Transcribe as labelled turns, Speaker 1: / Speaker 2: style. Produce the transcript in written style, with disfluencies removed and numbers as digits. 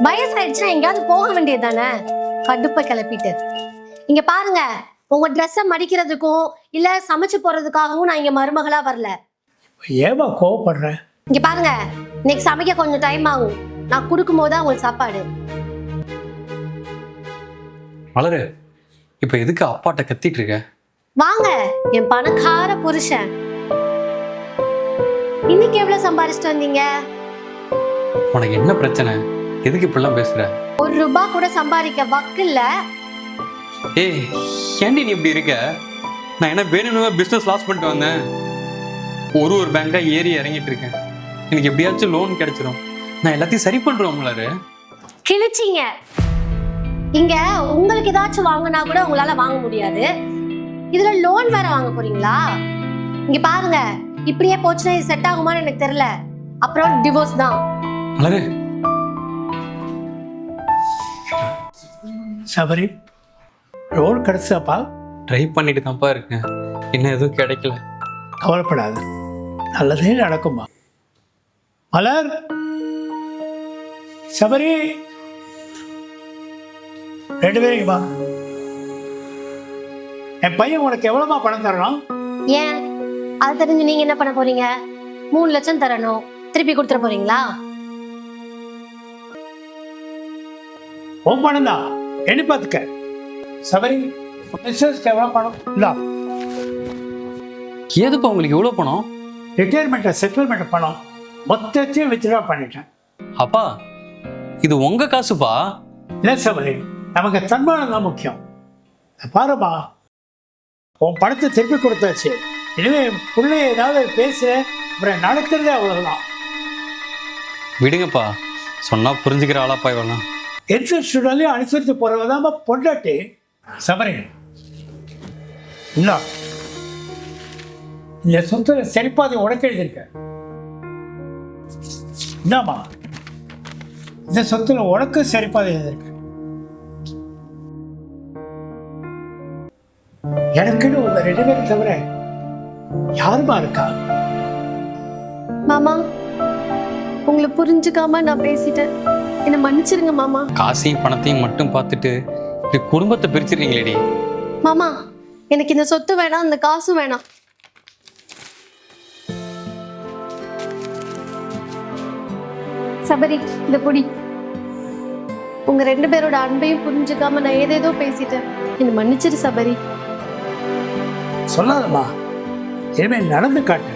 Speaker 1: வயசாயிடுச்சுன்னா எங்கேயாவது போக வேண்டியது தானே, கடுப்பை கிளப்பிட்டு. இங்க பாருங்க, உங்க ட்ரெஸ்ஸை மடிக்கிறதுக்கும் இல்ல சமைச்சு போறதுக்காகவும் நான் இங்க மருமகளா வரல.
Speaker 2: ஏமா கோவப்படுறேன்?
Speaker 1: இங்க பாருங்க, இன்னைக்கு சமைக்க கொஞ்சம் டைம் ஆகும். நான் கொடுக்கும் போது உங்களுக்கு சாப்பாடு.
Speaker 3: மலரு, இப்ப எதுக்கு அப்பாட்ட கத்திட்டு இருக்க?
Speaker 1: வாங்க, என் பணக்கார புருஷன். இன்னைக்கு எவ்வளவு சம்பாரிச்சிட்டு வந்தீங்க?
Speaker 3: உனக்கு என்ன பிரச்சனை? எதுக்கு இப்படிலாம் பேசுற?
Speaker 1: ₹1 கூட சம்பாதிக்க வக்கில்ல.
Speaker 3: ஏய், ஏன்டி நீ இப்படி இருக்க? நான் என்ன வேணும்னு பிசினஸ் லாஸ் பண்ணிட்டு வந்தேன். ஒரு பேங்கா ஏறி இறங்கிட்டு இருக்கேன். எனக்கு எப்படியாச்சும் லோன் கிடைச்சிடும். நான் எல்லாத்தையும் சரி பண்றோம் மலரு.
Speaker 1: கிழிச்சிங்க. இங்க உங்களுக்கு ஏதாச்சும் வாங்கினா கூட உங்களால வாங்க முடியாது, இதுல லோன் வேற வாங்க போறீங்களா? இங்க பாருங்க, இப்படியே போச்சுன்னா இது செட் ஆகுமான்னு எனக்கு தெரியல. அப்புறம் டிவோர்ஸ் தான்.
Speaker 3: மலரு,
Speaker 2: சபரி, ரோல் கிடைச்சாப்பா?
Speaker 3: ட்ரை பண்ணிட்டு தான்ப்பா இருக்கேன், இன்னும் எதுவும் கிடைக்கல.
Speaker 2: கவலைப்படாது, நல்லதே நடக்குமா. மலர், சபரி, 2 பேரும் வா. என் பையன் உனக்கு எவ்வளவுமா பணம் தரணும்?
Speaker 1: ஏன் அது தெரிஞ்சு நீங்க என்ன பண்ண போறீங்க? 3 லட்சம் தரணும், திருப்பி கொடுத்துட போறீங்களா?
Speaker 2: உன் பணம் தான், எண்ணி பார்த்துக்க. சபரி, பிசினஸ்க்கு எவ்வளவு பணம்? இல்ல,
Speaker 3: ஏதுப்பா உங்களுக்கு எவ்வளவு பணம்?
Speaker 2: ரிட்டையர்மெண்ட் செட்டில்மெண்ட் பணம் மொத்தத்தையும் வித்ட்ரா பண்ணிட்டேன்.
Speaker 3: அப்பா, இது உங்க காசுப்பா.
Speaker 2: இல்லை சபரி, நமக்கு தன்மானம் தான் முக்கியம். பாருமா, உன் பணத்தை திருப்பி கொடுத்தாச்சு. இனிமே பிள்ளைய ஏதாவது பேசுகிறேன், அப்புறம் நடக்கிறதே அவ்வளவுதான்.
Speaker 3: விடுங்கப்பா, சொன்னா புரிஞ்சுக்கிற ஆளாப்பா இவெல்லாம்.
Speaker 2: எந்த ஸ்டூடெண்ட்லையும் அனுசரித்து போகிறவதாம பொண்டாட்டி. சபரி, இல்லை, இந்த சொத்துல சரிப்பாதை உடக்க எழுதியிருக்க. என்னம்மா, இந்த சொத்துல உனக்கு சரிப்பாதை எழுதியிருக்க. எனக்குன்னு உங்க 2 பேரும் தவிர யாருமா இருக்கா?
Speaker 1: மாமா, உங்களை புரிஞ்சுக்காம நான் பேசிட்டேன், என்ன மன்னிச்சிருங்க மாமா.
Speaker 3: காசையும் பணத்தையும் மட்டும் பார்த்துட்டு இப்படி குடும்பத்தை பிரிச்சிருக்கீங்களேடி.
Speaker 1: மாமா, எனக்கு இந்த சொத்து வேணாம், இந்த காசும் வேணாம். சபரி, இந்த பொடி. உங்க 2 பேரோட அன்பையும் புரிஞ்சுக்காம நான் ஏதேதோ பேசிட்டேன், என்ன மன்னிச்சிரு சபரி.
Speaker 2: சொல்லாதம்மா, இனிமேல் நடந்து காட்டு.